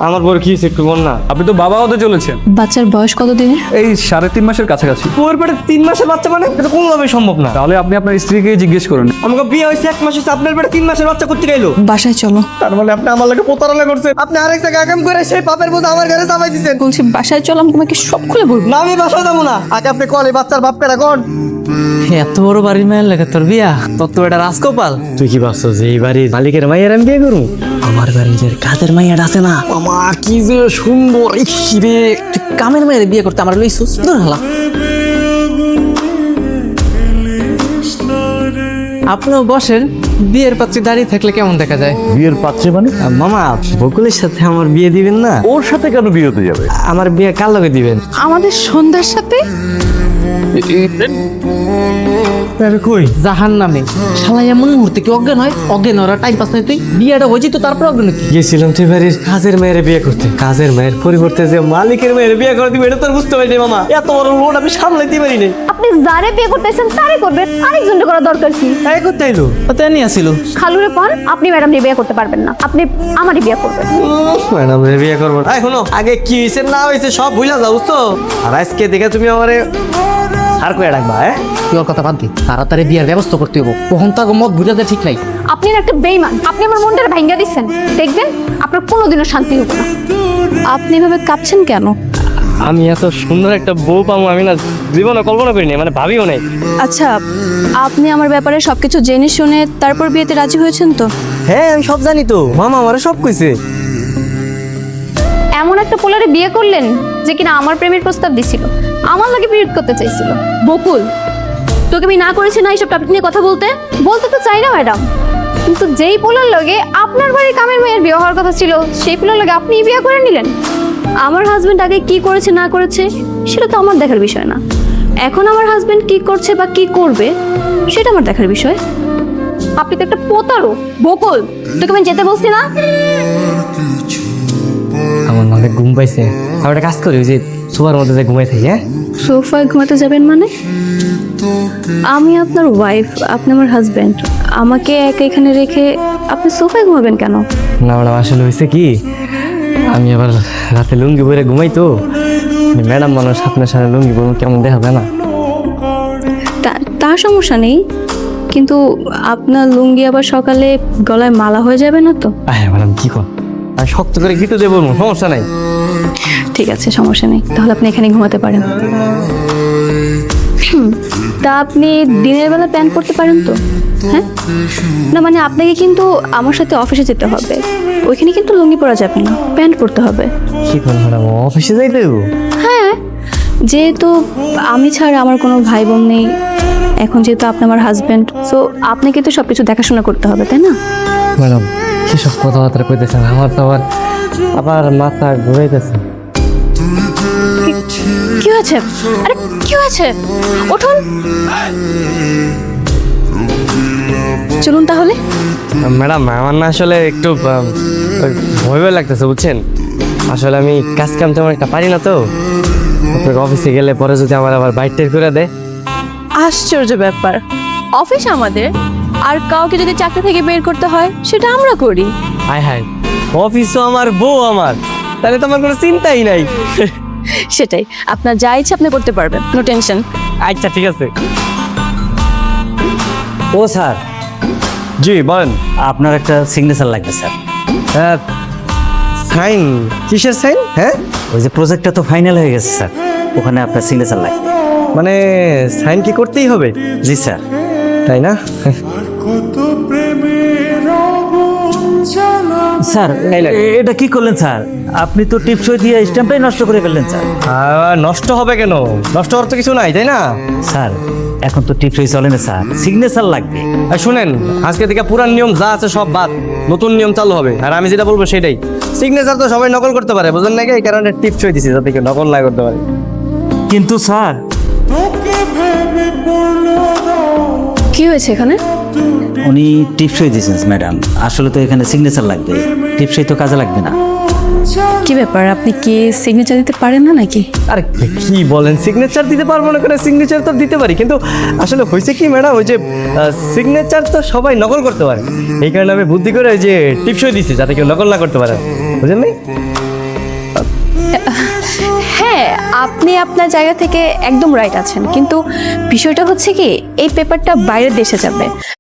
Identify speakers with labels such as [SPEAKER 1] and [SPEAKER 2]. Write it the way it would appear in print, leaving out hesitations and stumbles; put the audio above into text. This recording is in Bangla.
[SPEAKER 1] আমার বড় কি হয়েছে একটু বল না।
[SPEAKER 2] আপনি তো বাবা হতে চলেছেন।
[SPEAKER 3] বাচ্চার বয়স কত দিনের?
[SPEAKER 2] এই 3.5 মাসের কাছাকাছি।
[SPEAKER 1] ওর পেটে 3 মাসের বাচ্চা মানে এটা কোনোভাবেই সম্ভব না।
[SPEAKER 2] তাহলে আপনি আপনার স্ত্রীকে জিজ্ঞেস করুন।
[SPEAKER 1] আমাকে বিয়ে হয়েছে 1 মাস হয়েছে, আপনার পেটে 3 মাসের বাচ্চা করতে গেলো।
[SPEAKER 3] বাসায় চলো।
[SPEAKER 1] তার মানে আপনি আমার লাগে প্রতারণা করছেন। আপনি আরেক জায়গায় আগাম করে সেই পাপের বোঝা আমার ঘরে চাপাই দিচ্ছেন।
[SPEAKER 3] বলছি বাসায় চলো, আমি তোমাকে সব খুলে বলবো।
[SPEAKER 1] না আমি বাসায় যাবো না। আগে আপনি কল এই বাচ্চার বাপ কেডা কোন?
[SPEAKER 4] এত বড় বাড়ির মায়ের লাগে তোর বিয়া? তোর তো এটা রাজকপাল।
[SPEAKER 1] তুই কি ভাবছো যে এই বাড়ির মালিকের মাইয়ার আমি বিয়ে করবো?
[SPEAKER 4] আমার বাড়ির যে কাজের মাইয়াটা আছে না, মামা কি যে সুন্দর। রে তুই কামের মায়ের বিয়ে করতে আমার লইছুস? দূর হালা। আপনিও বসেন, বিয়ের পাত্রী দাঁড়িয়ে থাকলে কেমন দেখা যায়?
[SPEAKER 5] বিয়ের পাত্রে মানে?
[SPEAKER 1] মামা বকুলের সাথে আমার বিয়ে দিবেন না?
[SPEAKER 5] ওর সাথে কেন বিয়ে হতে যাবে?
[SPEAKER 1] আমার বিয়ে কার লগে দিবেন?
[SPEAKER 3] আমাদের সন্ধ্যার সাথে
[SPEAKER 1] কই
[SPEAKER 4] জাহান নামে শালা এমন মুহূর্তে কি অজ্ঞান হয়? অজ্ঞান ওরা টাইম পাস নাই। তুই বিয়েটা হয়েছি তো তারপর অজ্ঞান কি?
[SPEAKER 1] গেছিলাম তুই বাড়ির কাজের মেয়ের বিয়ে করতে, কাজের মেয়ের পরিবর্তে যে মালিকের মেয়ের বিয়ে করে দিবে এটা তো আর বুঝতে পারিনি মামা। এত বড় লোন আমি সামলাইতে পারি নাই।
[SPEAKER 6] আপনি যারে বিয়ে করতেছেন তারে করবেন, আরেকজনকে করা দরকার কি?
[SPEAKER 1] তাই করতে আইলো।
[SPEAKER 4] তাই নিয়ে আসিল।
[SPEAKER 6] খালুরে পান আপনি ম্যাডাম বিয়ে করতে পারবেন না, আপনি আমারই বিয়ে করবেন।
[SPEAKER 1] ম্যাডাম বিয়ে করবো না। শোনো আগে কি হয়েছে না হয়েছে সব ভুলে যাও বুঝছো। আর আজকে দেখে তুমি আমারে আর কয়ে রাখবা।
[SPEAKER 4] তুই ওর কথা বাদ দি, তাড়াতাড়ি বিয়ের ব্যবস্থা করতে হবো। কখন তার মত বুঝাতে ঠিক নাই।
[SPEAKER 6] আপনি না একটা বেইমান, আপনি আমার মনটা ভাঙ্গা দিচ্ছেন। দেখবেন আপনার কোনোদিনও শান্তি হবে না।
[SPEAKER 3] আপনি এভাবে কাঁপছেন কেন?
[SPEAKER 1] আমি এত সুন্দর একটা বউ পাবো আমি না জীবনে কল্পনা করিনি, মানে ভাবিও নাই।
[SPEAKER 3] আচ্ছা, আপনি আমার ব্যাপারে সবকিছু জেনে শুনে তারপর বিয়েতে রাজি হয়েছেন তো?
[SPEAKER 1] হ্যাঁ আমি সব জানি তো, মামা আমারে সব কইছে।
[SPEAKER 6] এমন একটা পোলারে বিয়ে করলেন যে কিনা আমার প্রেমের প্রস্তাব দিছিল, আমার লাগে পিরিয়ড করতে চাইছিল। বকুল, তোকে আমি না করেছি না এইসব টপিক নিয়ে কথা বলতে? বলতে তো চাই না ম্যাডাম, কিন্তু যেই পোলার লগে আপনার বাড়ির কামের মেয়ের বিয়ে হওয়ার কথা ছিল সেই পোলার লগে আপনি বিয়ে করে নিলেন। আমার হাজবেন্ড আগে কি করেছে না করেছে সেটা তো আমার দেখার বিষয় না। এখন আমার হাজবেন্ড কি করছে বা কি করবে সেটা আমার দেখার বিষয়। আপনি তো একটা প্রতারক। বকুল, তোকে আমি যেতে বলছি না?
[SPEAKER 1] আমার মানে ঘুম পাইছে, আমি একটা কাজ করি ওই যে সোফার মধ্যে যে ঘুমাই থাকি। হ্যাঁ
[SPEAKER 3] সোফায় ঘুমাতে যাবেন মানে? আমি আপনার ওয়াইফ, আপনি আমার হাজবেন্ড। আমাকে একা এখানে রেখে আপনি সোফায় ঘুমাবেন কেন?
[SPEAKER 1] না ম্যাডাম আসলে হয়েছে কি, আমি আবার রাতে লুঙ্গি পরে ঘুমাই তো। ম্যাডাম মানুষ আপনার সাথে লুঙ্গি পরে কেমন দেখাবে না?
[SPEAKER 3] তার সমস্যা নেই, কিন্তু আপনার লুঙ্গি আবার সকালে গলায় মালা হয়ে যাবে না তো?
[SPEAKER 1] হ্যাঁ ম্যাডাম কি কর, আমি শক্ত করে গিতে দেবো, সমস্যা নাই।
[SPEAKER 3] ঠিক আছে, সমস্যা নেই, তাহলে আপনি এখানে ঘুমাতে পারেন। তা আপনি দিনের বেলা প্যান্ট পরতে পারেন তো? হ্যাঁ না, মানে আপনাকে কিন্তু আমার সাথে অফিসে যেতে হবে, ওইখানে কিন্তু লুঙ্গি পরা যাবে না, প্যান্ট পরতে হবে।
[SPEAKER 1] কি কর ম্যাডাম, অফিসে যাইতে দেবো?
[SPEAKER 3] হ্যাঁ, যেহেতু আমি ছাড়া আমার কোনো ভাই বোন নেই, এখন যেহেতু আপনি আমার হাজবেন্ড, সো আপনাকে তো সব কিছু দেখাশোনা করতে হবে, তাই না?
[SPEAKER 1] ম্যাডাম কি সব কথাবার্তা কইতেছেন, আমার তো আবার মাথা ঘুরাইতেছে।
[SPEAKER 3] কি হয়েছে? আরে কি হয়েছে? উঠুন, চলুন তাহলে।
[SPEAKER 1] ম্যাডাম আমার না আসলে একটু ভয় ভয় লাগতেছে বুঝছেন। আসলে আমি কাজ কাম তেমন একটা পারি না তো। আপনার অফিসে গেলে পরে যদি আমার আবার বাইট টের করে দেয়।
[SPEAKER 3] আশ্চর্য ব্যাপার, অফিস আমাদের, আর কাউকে যদি চাকরি থেকে বের করতে হয় সেটা আমরা করি।
[SPEAKER 1] হায় হায়, অফিসও আমার বউ আমার, তাহলে তো আমার কোনো চিন্তাই নাই।
[SPEAKER 3] সেটাই, আপনার যা ইচ্ছে আপনি করতে পারবেন, নো টেনশন।
[SPEAKER 1] আচ্ছা ঠিক আছে।
[SPEAKER 7] ও স্যার,
[SPEAKER 1] জি বলেন।
[SPEAKER 7] আপনার একটা সিগনেচার লাগবে স্যার।
[SPEAKER 1] সাইন? কিসের সাইন? হ্যাঁ
[SPEAKER 7] ওই যে প্রজেক্টটা তো ফাইনাল হয়ে গেছে স্যার, ওখানে আপনার সিগনেচার লাগবে।
[SPEAKER 1] মানে সাইন কি করতেই হবে?
[SPEAKER 7] জি স্যার।
[SPEAKER 1] তাই না?
[SPEAKER 7] স্যার এটা কি করলেন স্যার? আপনি তো টিপসই দিয়ে স্ট্যাম্পটাই নষ্ট করে ফেললেন স্যার।
[SPEAKER 1] নষ্ট হবে কেন? নষ্ট হওয়ার তো কিছু নাই, তাই না?
[SPEAKER 7] স্যার এখন তো টিপসই চলে না স্যার, সিগনেচার লাগবে।
[SPEAKER 1] আর শুনেন, আজকে থেকে পুরান নিয়ম যা আছে সব বাদ, নতুন নিয়ম চালু হবে। আর আমি যেটা বলবো সেটাই। সিগনেচার তো সবাই নকল করতে পারে, বুঝলেন নাকি? এই কারণে টিপসই দিছি যাতে কেউ নকল না করতে পারে।
[SPEAKER 7] কিন্তু স্যার
[SPEAKER 3] কি হয়েছে এখানে?
[SPEAKER 7] উনি টিপসই দিয়েছেন ম্যাডাম, আসলে তো এখানে সিগনেচার লাগবে, টিপসই তো কাজে লাগবে না।
[SPEAKER 3] কি ব্যাপার, আপনি কি সিগনেচার দিতে পারেন না নাকি?
[SPEAKER 1] আরে কি বলেন, সিগনেচার দিতে পারবো না করে? সিগনেচার তো দিতে পারি, কিন্তু আসলে হয়েছে কি ম্যাডাম, ওই যে সিগনেচার তো সবাই নকল করতে পারে, এই কারণে আমি বুদ্ধি করে ওই যে টিপসই দিছি যাতে কেউ নকল না করতে পারে, বুঝলেন নাই?
[SPEAKER 3] আপনি আপনার জায়গা থেকে একদম রাইট আছেন, কিন্তু বিষয়টা হচ্ছে কি এই পেপারটা বাইরের দেশে যাবে।